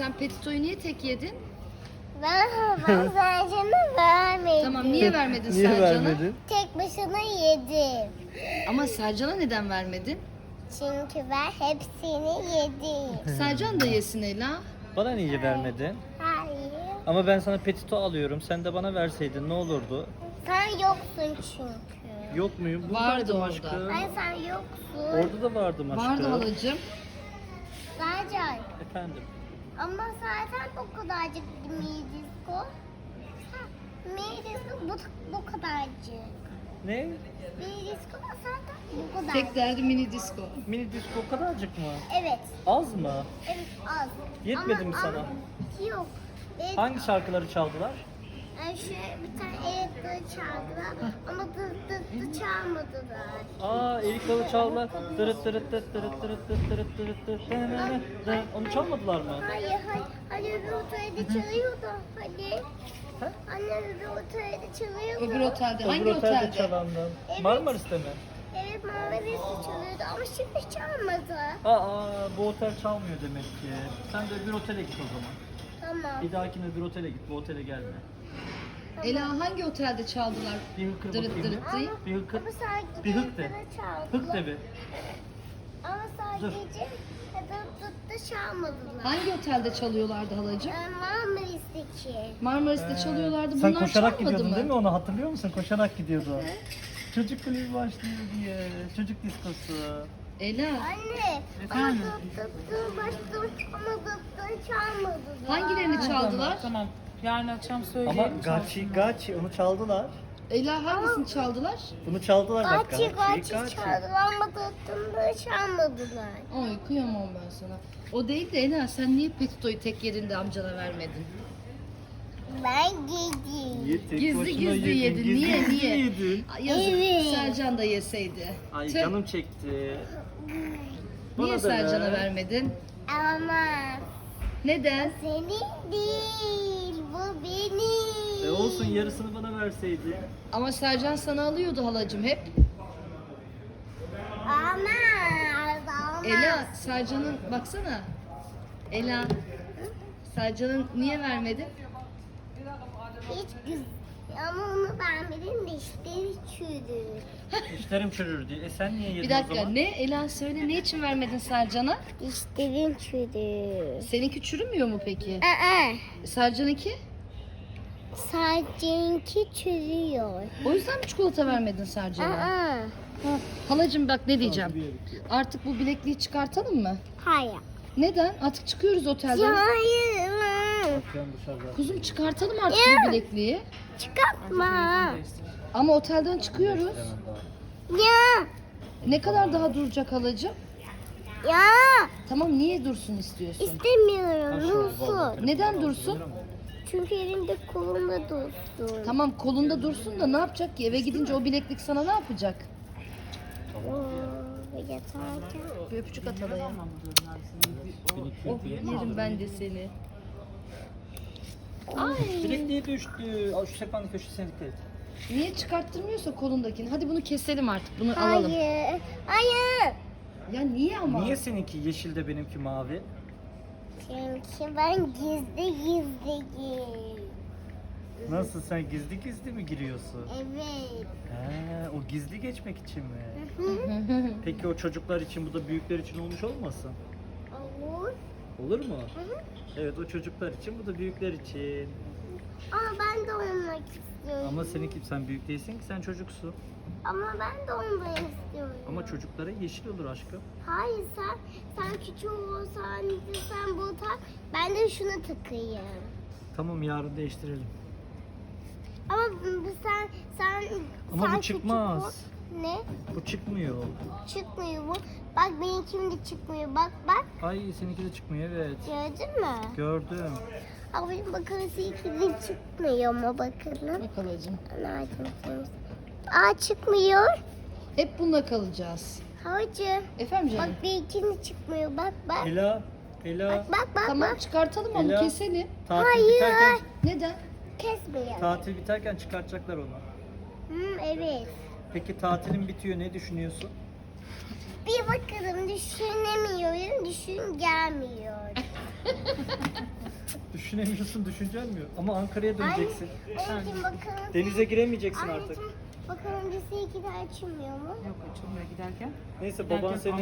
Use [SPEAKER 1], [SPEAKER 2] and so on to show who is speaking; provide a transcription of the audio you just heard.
[SPEAKER 1] sen Petito'yu niye tek yedin?
[SPEAKER 2] Ben Sercan'a vermedim.
[SPEAKER 1] Tamam, niye vermedin
[SPEAKER 3] Niye
[SPEAKER 1] Sercan'a?
[SPEAKER 3] vermedin?
[SPEAKER 2] Tek başına yedim.
[SPEAKER 1] Ama Sercan'a neden vermedin?
[SPEAKER 2] Çünkü ben hepsini yedim.
[SPEAKER 1] Sercan da yesin Ela.
[SPEAKER 3] Bana niye vermedin?
[SPEAKER 2] Hayır.
[SPEAKER 3] Ama ben sana petito alıyorum. Sen de bana verseydin ne olurdu?
[SPEAKER 2] Sen yoksun çünkü.
[SPEAKER 3] Yok muyum?
[SPEAKER 1] Vardı
[SPEAKER 3] Buradaydım
[SPEAKER 1] orada.
[SPEAKER 3] aşkım.
[SPEAKER 2] Hayır sen yoksun.
[SPEAKER 3] Orada da vardım aşkım.
[SPEAKER 1] Vardı halacığım.
[SPEAKER 2] Sercan.
[SPEAKER 3] Efendim.
[SPEAKER 2] Ama zaten bu kadarcık Midisko. Midisko bu kadarcık.
[SPEAKER 3] Ne?
[SPEAKER 2] Midisko zaten bu kadar.
[SPEAKER 1] Tek derdi mini disco.
[SPEAKER 3] Mini disco o kadarcık mı?
[SPEAKER 2] Evet.
[SPEAKER 3] Az mı?
[SPEAKER 2] Evet az.
[SPEAKER 3] Yetmedi mi sana?
[SPEAKER 2] Yok. Evet.
[SPEAKER 3] Hangi şarkıları çaldılar?
[SPEAKER 2] Yani şöyle bir tane elektrik çaldılar ama dı çalmadılar.
[SPEAKER 3] Aa, Erik Dalı çaldılar. Dırıt dırıt dırıt dırıt dırıt dırıt dırıt dırıt dırıt dırıt. Onu çalmadılar mı?
[SPEAKER 2] Hayır. Hani öbür otelde çalıyordu. Hani.
[SPEAKER 3] He?
[SPEAKER 2] Anne öbür otelde çalıyordu.
[SPEAKER 1] Öbür otelde. Hangi
[SPEAKER 3] Öbür otelde
[SPEAKER 1] otelde?
[SPEAKER 3] çalandan.
[SPEAKER 2] Evet.
[SPEAKER 3] Marmaris'te mi?
[SPEAKER 2] Evet Marmaris'te çalıyordu ama şimdi çalmadı.
[SPEAKER 3] Aa, bu otel çalmıyor demek ki. Sen de öbür otele git o zaman.
[SPEAKER 2] Tamam.
[SPEAKER 3] Bir dahakine öbür otele git, bu otele gelme.
[SPEAKER 1] Ela hangi otelde çaldılar?
[SPEAKER 3] Bir hıkır
[SPEAKER 1] Dırıt
[SPEAKER 3] bakayım.
[SPEAKER 1] dırıt değil.
[SPEAKER 3] Bir hıkır.
[SPEAKER 2] Ama sadece
[SPEAKER 3] Bir hık de.
[SPEAKER 2] çaldılar.
[SPEAKER 3] Hık de bir.
[SPEAKER 2] Ama sadece dı çalmadılar.
[SPEAKER 1] Hangi otelde çalıyorlardı halacığım?
[SPEAKER 2] Marmaris'teki.
[SPEAKER 1] Marmaris'te çalıyorlardı.
[SPEAKER 3] Sen
[SPEAKER 1] Bunlar
[SPEAKER 3] koşarak
[SPEAKER 1] çalmadı
[SPEAKER 3] gidiyordun
[SPEAKER 1] mı?
[SPEAKER 3] değil mi? Onu hatırlıyor musun? Koşarak gidiyordu. Çocuk kulübü başlıyor diye. Çocuk diskosu.
[SPEAKER 1] Ela
[SPEAKER 2] Anne.
[SPEAKER 3] Efendim?
[SPEAKER 2] Başladım ama çalmadılar.
[SPEAKER 1] hangilerini çaldılar?
[SPEAKER 4] Tamam. Yarın akşam söyleyelim.
[SPEAKER 3] Ama Gachi onu çaldılar.
[SPEAKER 1] Ela hangisini çaldılar?
[SPEAKER 3] Bunu çaldılar bak.
[SPEAKER 2] Gachi çaldılar ama çalmadılar.
[SPEAKER 1] Ay kıyamam ben sana. O değil de Ela sen niye Petito'yu tek yerinde amcana vermedin?
[SPEAKER 2] Ben yedim.
[SPEAKER 1] Gizli gizli yedin. Niye?
[SPEAKER 3] yedin.
[SPEAKER 1] Ay, yazık.
[SPEAKER 2] Evet.
[SPEAKER 1] Sercan da yeseydi.
[SPEAKER 3] Ay
[SPEAKER 1] Tüh.
[SPEAKER 3] canım çekti.
[SPEAKER 1] Niye
[SPEAKER 3] Bana da
[SPEAKER 1] Sercan'a
[SPEAKER 3] ver.
[SPEAKER 1] vermedin?
[SPEAKER 2] Ama
[SPEAKER 1] Neden?
[SPEAKER 2] senin değil, bu benim.
[SPEAKER 3] Olsun, yarısını bana verseydi.
[SPEAKER 1] Ama Sercan sana alıyordu halacığım hep.
[SPEAKER 2] Ama.
[SPEAKER 1] Ela, Sercan'ın baksana. Ela, Sercan'ın niye vermedin?
[SPEAKER 2] Hiç güzel. Ama onu vermedin de işleri çürüdü.
[SPEAKER 3] İşlerim çürür diye. Sen niye yedin
[SPEAKER 1] Bir
[SPEAKER 3] o
[SPEAKER 1] dakika,
[SPEAKER 3] zaman?
[SPEAKER 1] ne? Ela söyle, ne için vermedin Sercan'a?
[SPEAKER 2] İşlerin çürüdü.
[SPEAKER 1] Seninki çürümüyor mu peki? Sercan'ınki?
[SPEAKER 2] Sadece çürüyor.
[SPEAKER 1] O yüzden mi çikolata vermedin Sercan'a?
[SPEAKER 2] Aa.
[SPEAKER 1] Halacığım bak ne diyeceğim. Artık bu bilekliği çıkartalım mı?
[SPEAKER 2] Hayır.
[SPEAKER 1] Neden? Artık çıkıyoruz otelden.
[SPEAKER 2] Hayır.
[SPEAKER 3] Ben dışarıda.
[SPEAKER 1] Kuzum çıkartalım artık bu bilekliği.
[SPEAKER 2] Çıkartma.
[SPEAKER 1] Ama otelden çıkıyoruz.
[SPEAKER 2] Ya.
[SPEAKER 1] Ne kadar daha duracak halacığım?
[SPEAKER 2] Ya.
[SPEAKER 1] Tamam niye dursun istiyorsun?
[SPEAKER 2] İstemiyorum. Dursun.
[SPEAKER 1] Neden dursun?
[SPEAKER 2] Çünkü elinde kolumda dursun.
[SPEAKER 1] Tamam kolunda dursun da ne yapacak ki? Eve gidince o bileklik sana ne yapacak?
[SPEAKER 2] Yatarken.
[SPEAKER 1] Bir öpücük at halaya. Oh yerim ben de seni. Ay.
[SPEAKER 3] Bilekliği düştü. Şu sehpanın köşesine dikkat et.
[SPEAKER 1] Niye çıkarttırmıyorsa kolundakini? Hadi bunu keselim artık. Bunu alalım.
[SPEAKER 2] Hayır. Hayır.
[SPEAKER 1] Ya niye ama?
[SPEAKER 3] Niye seninki yeşil de benimki mavi?
[SPEAKER 2] Çünkü ben gizli.
[SPEAKER 3] Nasıl, sen gizli gizli mi giriyorsun?
[SPEAKER 2] Evet.
[SPEAKER 3] He, o gizli geçmek için mi? Peki o çocuklar için, bu da büyükler için olmuş olmasın?
[SPEAKER 2] Olur.
[SPEAKER 3] Olur mu? Evet, o çocuklar için, bu da büyükler için.
[SPEAKER 2] Ama ben de olmak istiyorum.
[SPEAKER 3] Ama seninki, sen büyük değilsin ki, sen çocuksun.
[SPEAKER 2] Ama ben de olmak istiyorum.
[SPEAKER 3] Ama çocuklara yeşil olur aşkım.
[SPEAKER 2] Hayır sen küçük olsan sen bu tak. Ben de şunu takayım.
[SPEAKER 3] Tamam, yarın değiştirelim.
[SPEAKER 2] Ama sen
[SPEAKER 3] Ama
[SPEAKER 2] sen
[SPEAKER 3] bu çıkmaz.
[SPEAKER 2] küçük ol. Ne?
[SPEAKER 3] Bu çıkmıyor.
[SPEAKER 2] Çıkmıyor bu. Bak benimkim de çıkmıyor. Bak.
[SPEAKER 3] Ay, seninki de çıkmıyor, evet.
[SPEAKER 2] Gördün mü?
[SPEAKER 3] Gördüm.
[SPEAKER 2] Ama benim bakın seninki de çıkmıyor ama bakın.
[SPEAKER 1] Bak halacığım.
[SPEAKER 2] Nerede? Aa çıkmıyor.
[SPEAKER 1] Hep bununla kalacağız.
[SPEAKER 2] Havacı.
[SPEAKER 1] Efendim
[SPEAKER 2] Bak
[SPEAKER 1] canım?
[SPEAKER 2] benimki de çıkmıyor. Bak.
[SPEAKER 3] Ela,
[SPEAKER 2] Bak.
[SPEAKER 1] Tamam çıkartalım onu
[SPEAKER 3] Ela.
[SPEAKER 1] keselim.
[SPEAKER 3] tatil
[SPEAKER 2] Hayır.
[SPEAKER 3] biterken,
[SPEAKER 1] Neden?
[SPEAKER 2] Kesmiyor.
[SPEAKER 3] tatil biterken çıkartacaklar onu.
[SPEAKER 2] Evet.
[SPEAKER 3] Peki tatilin bitiyor, ne düşünüyorsun?
[SPEAKER 2] Bir bakalım düşünemiyorum. Düşün gelmiyor.
[SPEAKER 3] düşünemiyorsun, düşüncen mi yok? Ama Ankara'ya döneceksin.
[SPEAKER 2] Anneciğim bakalım.
[SPEAKER 3] Denize giremeyeceksin artık.
[SPEAKER 2] Anneciğim bakalım lise 2'de açılmıyor mu?
[SPEAKER 4] Yok açılmıyor giderken.
[SPEAKER 3] Neyse baban
[SPEAKER 4] Giderken
[SPEAKER 3] seni